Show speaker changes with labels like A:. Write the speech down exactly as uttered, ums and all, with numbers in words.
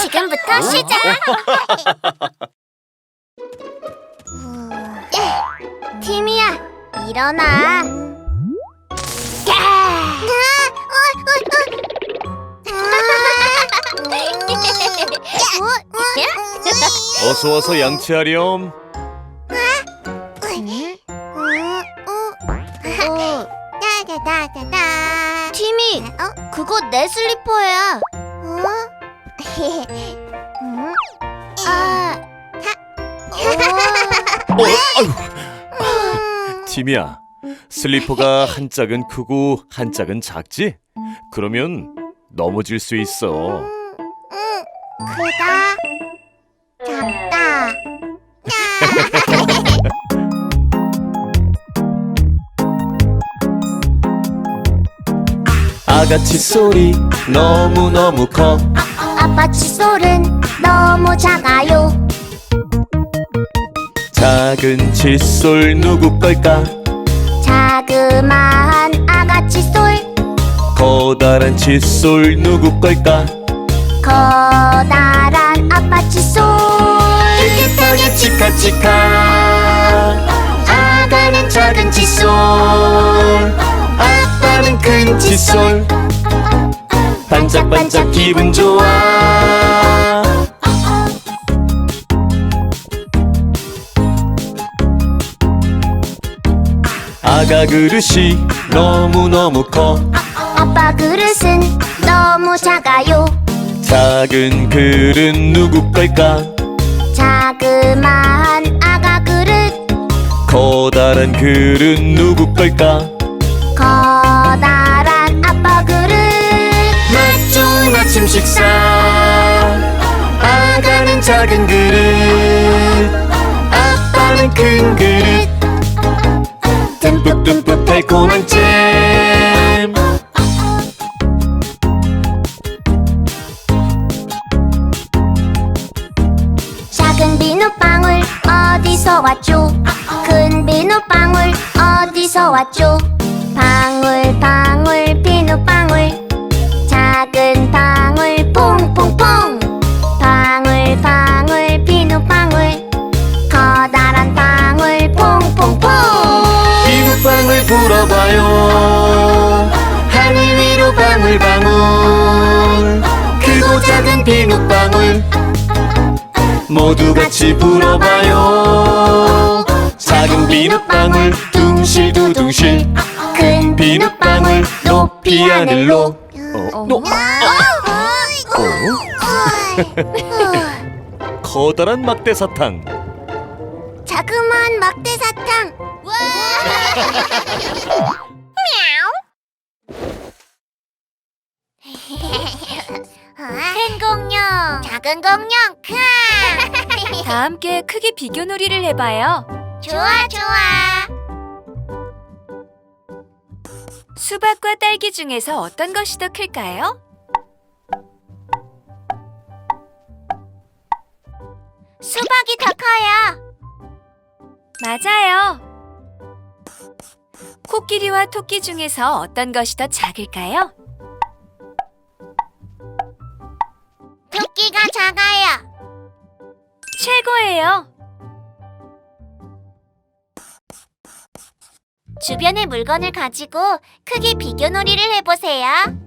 A: 지금부터 시작! 티미야, 일어나.
B: 어서와서 양치하렴.
A: 티미, 그거 내 슬리퍼야. 아,
B: 어, 아유. 티미야, 슬리퍼가 한 짝은 크고 한 짝은 작지? 그러면 넘어질 수 있어.
A: 크다, 작다.
B: 아가 칫솔이 너무너무 커.
A: 아빠 칫솔은 너무 작아요.
B: 작은 칫솔 누구 걸까?
A: 자그마한 아가 칫솔,
B: 커다란 칫솔 누구 걸까?
A: 커다란 아빠 칫솔.
B: 깨끗하게 치카치카. 아가는 작은 칫솔, 아빠는 큰 칫솔. 반짝반짝 기분 좋아. 아가 그릇이 너무너무 커.
A: 아빠 그릇은 너무 작아요.
B: 작은 그릇 누구 걸까?
A: 자그마한 아가 그릇,
B: 커다란 그릇 누구 걸까?
A: 커다란 아빠 그릇.
B: 맛 좋은 아침 식사. 아가는 작은 그릇, 아빠는 큰 그릇. 듬뿍듬뿍 달콤한 잼.
A: 작은 비눗방울 어디서 왔죠? 큰 비눗방울 어디서 왔죠? 방울 방울 비눗방울, 작은 방울 퐁퐁퐁. 방울 방울 비눗방울, 커다란 방울 퐁퐁퐁.
B: 비눗방울 불어봐요. 하늘 위로 방울방울. 크고 작은 비눗방울 모두 같이 불어봐요. 작은 비눗방울 둥실두둥실, 큰 비눗방울 높이 하늘로. 어? 너? 어? 커다란 막대사탕.
A: 자그마한 막대사탕. 큰 공룡, 작은 공룡.
C: 다 함께 크기 비교 놀이를 해봐요.
A: 좋아 좋아.
C: 수박과 딸기 중에서 어떤 것이 더 클까요?
A: 수박이 더 커요.
C: 맞아요. 코끼리와 토끼 중에서 어떤 것이 더 작을까요?
A: 토끼가 작아요.
C: 최고예요.
A: 주변의 물건을 가지고 크기 비교 놀이를 해보세요.